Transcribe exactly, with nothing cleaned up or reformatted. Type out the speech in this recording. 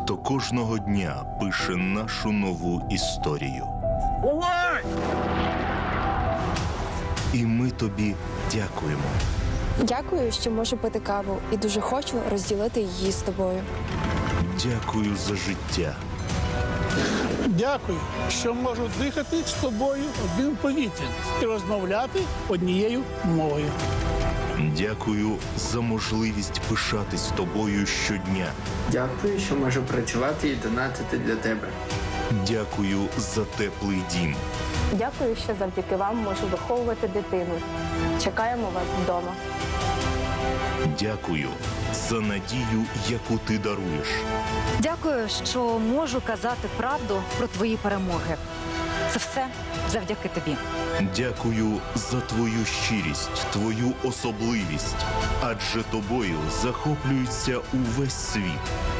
хто кожного дня пише нашу нову історію. Бувай! І ми тобі дякуємо. Дякую, що можу пити каву і дуже хочу розділити її з тобою. Дякую за життя. Дякую, що можу дихати з тобою одним повітрям і розмовляти однією мовою. Дякую за можливість пишатись тобою щодня. Дякую, що можу працювати і донатити для тебе. Дякую за теплий дім. Дякую, що завдяки вам можу виховувати дитину. Чекаємо вас вдома. Дякую за надію, яку ти даруєш. Дякую, що можу казати правду про твої перемоги. Це все завдяки тобі. Дякую за твою щирість, твою особливість. Адже тобою захоплюється увесь світ.